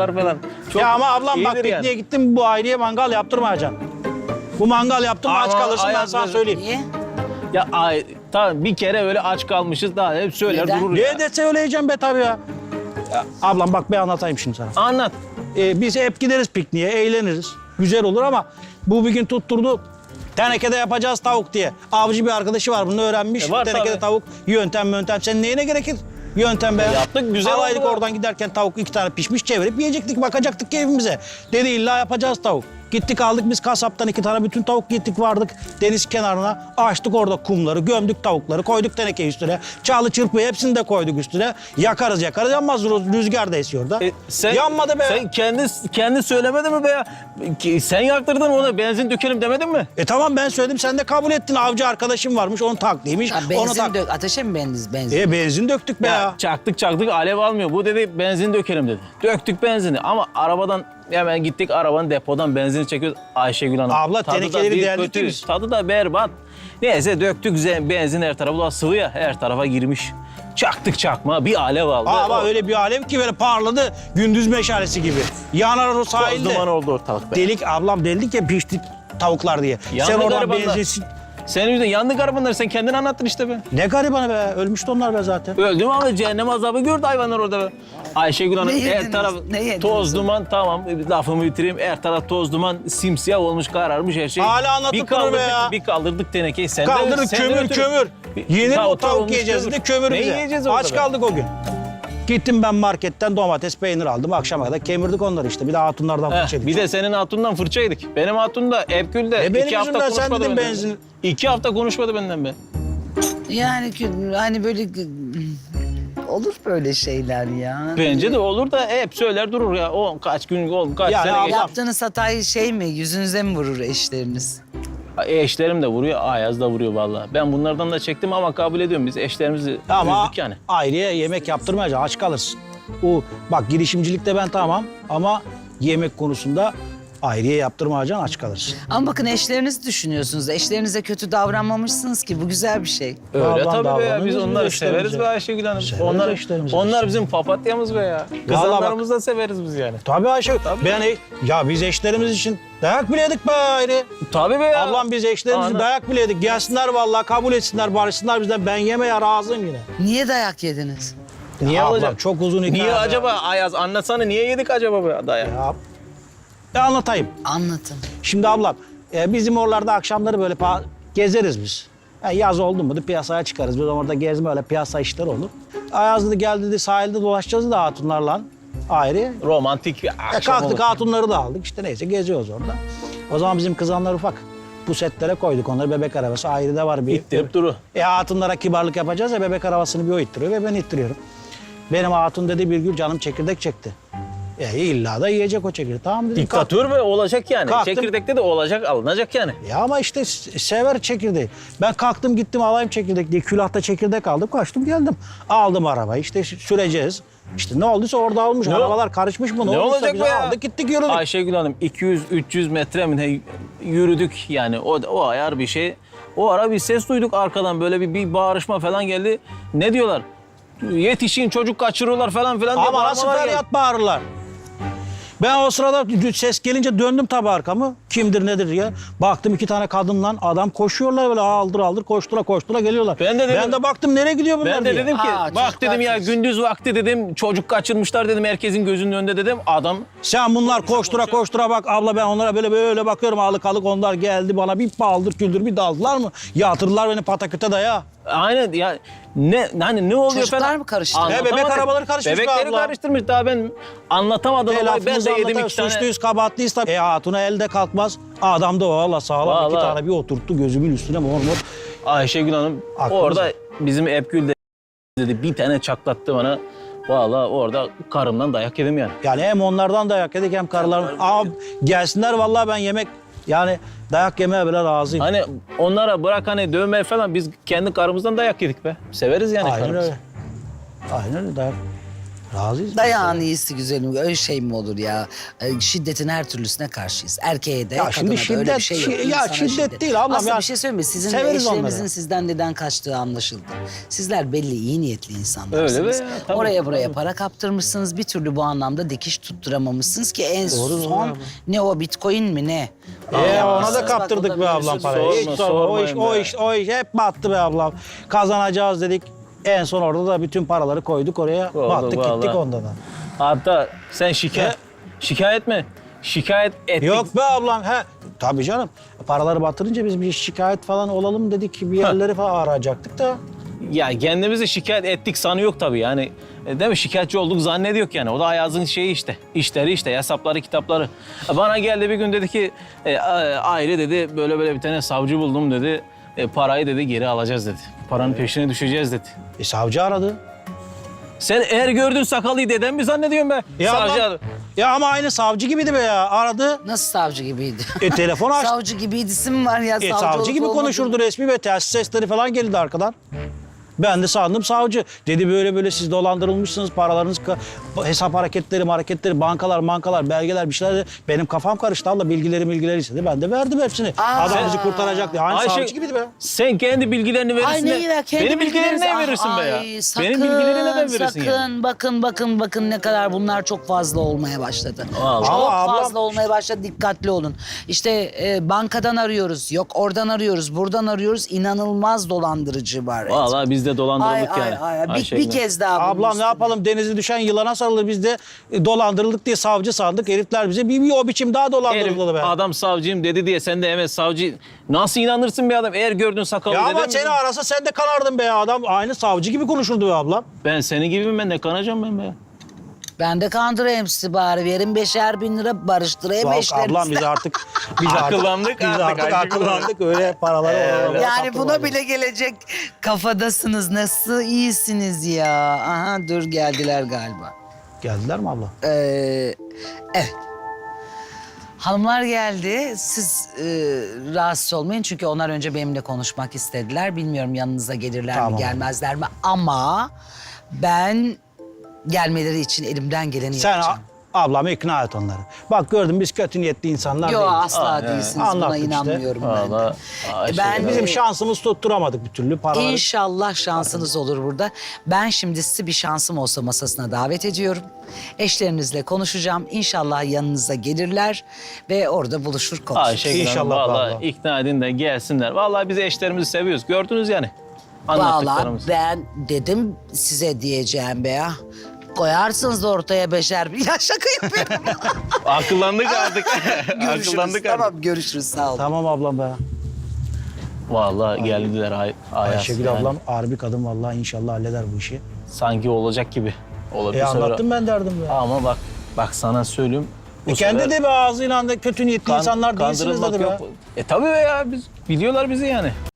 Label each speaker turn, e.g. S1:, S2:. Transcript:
S1: yaparlar falan. Çok
S2: Ya ama ablam bak
S1: iyidir
S2: pikniğe gittim, bu aileye mangal yaptırmayacaksın. Bu mangal yaptın mı aç
S1: Ama
S2: kalırsın, ben
S1: Ayaz
S2: sana
S1: böyle-
S2: söyleyeyim.
S3: Niye?
S1: Ya tamam bir kere öyle aç kalmışız daha hep söyler
S3: Neden?
S1: durur ya.
S2: Ne dese öyleyeceğim be tabii ya. Ablam bak ben anlatayım şimdi sana.
S1: Anlat.
S2: Biz hep gideriz pikniğe, eğleniriz. Güzel olur ama bu bir gün tutturdu. Tenekede yapacağız tavuk diye. Avcı bir arkadaşı var, bunu öğrenmiş.
S1: Var
S2: Tenekede
S1: tabii.
S2: tavuk, yöntem. Sen neyine gerekir? Yöntem be.
S1: Yaptık, güzel
S2: Alaydık
S1: oldu.
S2: oradan giderken tavuk 2 tane pişmiş, çevirip yiyecektik, bakacaktık keyfimize. Dedi illa yapacağız tavuk. Gittik aldık biz kasaptan 2 tane bütün tavuk, gittik vardık deniz kenarına. Açtık orada kumları, gömdük tavukları, koyduk teneke üstüne. Çağlı çırpıyı hepsini de koyduk üstüne. Yakarız yanmaz, rüzgar da esiyor da. Yanmadı be.
S1: Sen kendi söylemedin mi be ya? Sen yaktırdın ona benzin dökelim demedin mi?
S2: Tamam ben söyledim, sen de kabul ettin. Avcı arkadaşım varmış, onun taklıymış.
S3: Ha,
S2: Onu
S3: benzin dök. Ateşe mi benzin?
S2: benzin döktük be ya.
S1: Çaktık alev almıyor. Bu dedi benzin dökelim dedi. Döktük benzini ama arabadan hemen gittik arabanın depodan benzin çekiyoruz. Ayşegül Hanım.
S2: Abla,
S1: tadı da
S2: tenekeleri
S1: bir
S2: deldik
S1: kötü,
S2: biz.
S1: tadı da berbat. Neyse döktük benzin her tarafa. Bu da sıvı ya her tarafa girmiş. Çaktık çakma bir alev aldı.
S2: Ama öyle bir alev ki böyle parladı, gündüz meşalesi gibi. Yanar o
S1: Toz
S2: sahilde.
S1: duman oldu ortalık be.
S2: Delik ablam, deldik ya pişti tavuklar diye.
S1: Yandı
S2: Sen oradan
S1: garibanlar.
S2: benzinsin.
S1: Senin yüzünden yandı garibanlar. Sen kendin anlattın işte be.
S2: Ne garibanı be, ölmüştü onlar be zaten.
S1: Öldüm ama cehennem azabı gördü hayvanlar orada be. Ayşegül Hanım
S3: Ne yediniz?
S1: her taraf
S3: Ne yediniz?
S1: toz duman tamam lafımı bitireyim. Her taraf toz duman simsiyah olmuş kararmış her şey.
S2: Hala anlatıp durur be ya.
S1: Bir kaldırdık tenekeyi. Sen
S2: Kaldırdık
S1: sen
S2: kömür
S1: götür.
S2: kömür. Yenir o tavuk
S1: olmuş
S2: yiyeceğiz de kömür
S1: Ne
S2: bize.
S1: yiyeceğiz orada
S2: Aç
S1: be?
S2: kaldık o gün. Gittim ben marketten domates, peynir aldım. Akşama kadar kemirdik onları işte. Bir de hatunlardan fırça yedik.
S1: Bir de senin hatundan fırça yedik. Benim hatun da Epgül'de
S2: benim
S1: 2 hafta
S2: yüzümden sen
S1: konuşmadı
S2: dedin
S1: benden.
S2: benzin.
S1: 2 hafta konuşmadı benden be.
S3: Yani hani böyle olur böyle şeyler ya.
S1: Bence de olur da hep söyler durur ya. O kaç gün oldu kaç
S2: Yani
S1: sene
S2: abla-
S1: geçti.
S3: Yaptığınız hatayı şey mi, yüzünüze mi vurur eşleriniz?
S1: Eşlerim de vuruyor, Ayaz da vuruyor vallahi. Ben bunlardan da çektim ama kabul ediyorum biz eşlerimizi
S2: Ama
S1: üzdük yani.
S2: aileye yemek yaptırmayacaksın, aç kalırsın. Bak girişimcilikte ben tamam ama yemek konusunda aileye yaptırmayacaksın, aç kalırsın.
S3: Ama bakın eşlerinizi düşünüyorsunuz. Eşlerinize kötü davranmamışsınız ki. Bu güzel bir şey.
S1: Öyle
S2: Ablam
S1: tabii be ya.
S2: davranıyor,
S1: Biz
S2: biz
S1: onları
S2: eşlerimize.
S1: severiz be Ayşegül Hanım.
S2: Severiz eşlerimizi.
S1: Onlar bizim papatyamız be ya. Kızanlarımızı da severiz biz yani.
S2: Tabii Ayşe, ya biz eşlerimiz için dayak bile yedik be ayrı.
S1: Tabii be ya.
S2: Ablam biz eşlerimiz için
S1: Anladım.
S2: dayak bile yedik. Gelsinler vallahi, kabul etsinler, barışsınlar bizden. Ben yemeye razıyım yine.
S3: Niye dayak yediniz?
S1: Niye
S2: Ablam,
S1: olacak?
S2: çok uzun hikaye.
S1: Niye
S2: be.
S1: acaba Ayaz anlatsana niye yedik acaba be dayak?
S2: Anlatayım.
S3: Anlatın.
S2: Şimdi ablam, bizim oralarda akşamları böyle gezeriz biz. Yani yaz oldu mu da piyasaya çıkarız. Biz orada gezme, öyle piyasa işleri olur. Ayaz dedi gel dedi sahilde dolaşacağız da hatunlarla ayrı.
S1: Romantik bir akşam
S2: Kalktık
S1: olur.
S2: hatunları da aldık. İşte neyse geziyoruz orada. O zaman bizim kızanlar ufak. Pusetlere koyduk onları, bebek arabası ayrı da var bir.
S1: İttirip duru.
S2: Hatunlara kibarlık yapacağız ya, bebek arabasını bir o ittiriyor ve ben ittiriyorum. Benim hatun dedi bir gün canım çekirdek çekti. İlla da yiyecek o çekirdeği. Tamam dedim.
S1: Diktatör ve olacak yani.
S2: Kalktım.
S1: Çekirdekte de olacak, alınacak yani.
S2: Ya ama işte sever çekirdeği. Ben kalktım gittim alayım çekirdek diye külahta çekirdek aldım, kaçtım geldim. Aldım arabayı işte süreceğiz. İşte ne olduysa orada olmuş.
S1: Ne
S2: Arabalar karışmış mı?
S1: Ne
S2: olduysa
S1: olacak
S2: biz
S1: be ya?
S2: aldık gittik yürüdük.
S1: Ayşegül Hanım 200-300 metre mi ne yürüdük yani o ayar bir şey. O ara bir ses duyduk arkadan böyle bir bağırışma falan geldi. Ne diyorlar? Yetişin çocuk kaçırıyorlar falan filan diye
S2: Ama nasıl
S1: bağırmalar geldi.
S2: feryat bağırırlar. Ben o sırada ses gelince döndüm tabii arkamı. Kimdir nedir diye. Baktım 2 tane kadınla adam koşuyorlar böyle aldır koştura geliyorlar.
S1: Ben de
S2: baktım nereye gidiyor bunlar
S1: Ben de
S2: diye.
S1: dedim ki bak
S3: çocuk
S1: dedim ya
S3: kaçmış.
S1: gündüz vakti dedim çocuk kaçırmışlar dedim herkesin gözünün önünde dedim. Adam
S2: Sen bunlar koştura bak abla, ben onlara böyle bakıyorum alık onlar geldi bana bir paldır küldür bir daldılar mı? Yatırdılar beni pataküte daya.
S1: aynen ya ne oluyor
S3: Çocuklar
S1: falan.
S3: mı karıştırdı?
S1: Anlatamadık.
S2: Bebek arabaları karışmış be
S1: Bebekleri
S2: abla.
S1: karıştırmış daha ben anlatamadım olayı. Ben de yedim 2 tane.
S2: Suçluyuz kabahatlıyız tabii. Hatuna elde kalkmaz. Adam da valla sağlam 2
S1: Vallahi.
S2: tane bir oturttu gözümün üstüne mor.
S1: Ayşegül Hanım
S2: Aklımıza.
S1: orada bizim Epgül de dedi bir tane çaklattı bana. Vallahi orada karımdan dayak yedim yani.
S2: Yani hem onlardan dayak yedik hem karılarından. Gelsinler vallahi ben yemek yani dayak yemeye bile razıyım.
S1: Hani onlara bırak hani dövme falan biz kendi karımızdan dayak yedik be. Severiz yani
S2: Aynen
S1: karımızı.
S2: öyle. Aynen öyle dayak. Razıyız.
S3: Dayağın iyisi güzelim. Öyle şey mi olur ya? Şiddetin her türlüsüne karşıyız. Erkeğe de,
S2: Ya
S3: kadına
S2: şimdi
S3: da öyle bir
S2: şiddet-
S3: şey yok.
S2: ya
S3: İnsana
S2: şiddet değil ablam
S3: Aslında
S2: ya.
S3: bir şey söyleyeyim mi? Sizin
S2: Severiz
S3: eşlerinizin
S2: onları.
S3: sizden neden kaçtığı anlaşıldı. Sizler belli iyi niyetli insanlarsınız.
S1: Öyle be ya, tabii,
S3: Oraya buraya
S1: tabii.
S3: para kaptırmışsınız. Bir türlü bu anlamda dikiş tutturamamışsınız ki en
S2: Doğru, doğru
S3: son
S2: abi.
S3: ne o bitcoin mi ne?
S2: Ona
S3: Bak,
S2: da
S3: o
S2: kaptırdık
S3: da
S2: be ablam
S3: biliyorsun.
S2: parayı. Hiç
S1: Sorma,
S2: sorma. O iş,
S1: sormayın
S2: o
S1: be.
S2: iş hep battı be ablam. Kazanacağız dedik. En son orada da bütün paraları koyduk oraya.
S1: Oldu
S2: Battık gittik
S1: vallahi.
S2: ondan da.
S1: Hatta sen şikayet mi? Şikayet ettik.
S2: Yok be ablam. Tabii canım. Paraları batırınca biz bir şikayet falan olalım dedik. Bir yerleri falan arayacaktık da.
S1: Ya kendimizi şikayet ettik sanıyor tabii yani. Değil mi? Şikayetçi olduk zannediyor yani. O da Ayaz'ın şeyi işte. İşleri işte, hesapları, kitapları. Bana geldi bir gün dedi ki, aile dedi böyle böyle bir tane savcı buldum dedi. Parayı dedi geri alacağız dedi. Paranın peşine düşeceğiz dedi.
S2: Savcı aradı.
S1: Sen eğer gördün sakalıyı deden mi zannediyorsun be?
S2: Ya,
S1: Savcı
S2: ablam, ya ama aynı savcı gibiydi be ya. Aradı.
S3: Nasıl savcı gibiydi?
S2: Telefon açtı.
S3: Savcı gibiydi isim var ya.
S2: Savcı
S3: olup
S2: gibi
S3: olmadığı-
S2: konuşurdu resmi ve telsiz sesleri falan geldi arkadan. Ben de sandım savcı. Dedi böyle böyle siz dolandırılmışsınız. Paralarınız, hesap hareketleri, bankalar, belgeler bir şeyler. Benim kafam karıştı. Allah bilgileri istedi. Ben de verdim hepsini. Adam bizi kurtaracak diye. Aynı
S1: Ayşe,
S2: savcı gibiydi be.
S1: sen kendi bilgilerini verirsin.
S3: Ay
S1: de
S3: neyi ver? Kendi
S1: benim bilgilerimi
S3: bilgilerinizi-
S1: ne verirsin be ya?
S3: Ay, sakın,
S1: Benim bilgileri neden verirsin
S3: sakın.
S1: yani?
S3: Bakın ne kadar bunlar çok fazla olmaya başladı.
S1: Vallahi.
S3: Çok
S2: Ama ablam-
S3: fazla olmaya başladı. Dikkatli olun. İşte bankadan arıyoruz. Yok oradan arıyoruz. Buradan arıyoruz. İnanılmaz dolandırıcı var.
S1: Vallahi biz de dolandırıldık
S3: Ay,
S1: yani.
S3: ay. Bir
S1: Ayşegül.
S3: kez daha bunun
S2: Ablam ne
S3: üstüne.
S2: yapalım denize düşen yılana sarılır. Biz de dolandırıldık diye savcı sandık. Herifler bize bir o biçim daha
S1: Herif,
S2: dolandırıldı be.
S1: adam savcıyım dedi diye sen de evet savcı... Nasıl inanırsın bir adam? Eğer gördün sakalı
S2: Ya ama
S1: deden mi?
S2: seni arasa sen de kanardın be ya. Adam aynı savcı gibi konuşurdu be ablam.
S1: Ben senin gibi mi? Ben de kanacağım ben be.
S3: Ben de kandırayım sizi bari. Verin 5'er bin lira barıştırayım
S2: Bak
S3: eşlerinizle.
S2: ablam biz artık
S1: Akıllandık
S2: biz
S1: artık,
S2: artık
S1: Ayşegül
S2: akıllandık öyle paraları oralara
S3: Yani
S2: kaptırmayalım.
S3: buna bile gelecek kafadasınız. Nasıl iyisiniz ya. Aha dur geldiler galiba.
S2: Geldiler mi abla?
S3: Evet. Hanımlar geldi. Siz rahatsız olmayın çünkü onlar önce benimle konuşmak istediler. Bilmiyorum yanınıza gelirler
S2: Tamam.
S3: mi gelmezler mi ama ben gelmeleri için elimden geleni
S2: Sen
S3: yapacağım.
S2: ablamı ikna et onları. Bak gördüm biz kötü niyetli insanlar
S3: Yok
S2: değiliz.
S3: asla değilsiniz. Buna
S2: Anlattık işte.
S3: inanmıyorum ben. de.
S1: Vallahi
S3: Ben
S2: Bizim şansımız tutturamadık bir türlü paraları.
S3: İnşallah şansınız olur burada. Ben şimdi sizi bir şansım olsa masasına davet ediyorum. Eşlerinizle konuşacağım. İnşallah yanınıza gelirler ve orada buluşur konuşuruz.
S1: Ayşegül Hanım
S2: İnşallah
S1: vallahi
S2: vallahi.
S1: ikna edin de gelsinler. Vallahi biz eşlerimizi seviyoruz. Gördünüz yani.
S3: Vallahi
S1: Anlattıklarımız.
S3: ben dedim size diyeceğim be ya. Koyarsınız ortaya 5'er bin. Ya şaka yapıyorum.
S1: Akıllandık artık.
S3: Görüşürüz.
S1: Akıllandık artık.
S3: Tamam görüşürüz sağ olun.
S2: Tamam ablam be.
S1: Vallahi geldiler Ayaz.
S2: Ayşegül
S1: yani.
S2: ablam harbi kadın vallahi inşallah halleder bu işi.
S1: Sanki olacak gibi. Olabilir sonra.
S2: Anlattım ben derdim be.
S1: Ama bak sana söyleyeyim. bu
S2: Kendi
S1: sefer
S2: de be ağzıyla da kötü niyetli insanlar değilsiniz
S1: kandırılmak
S2: dedi be.
S1: yok. Tabii be ya biz biliyorlar bizi yani.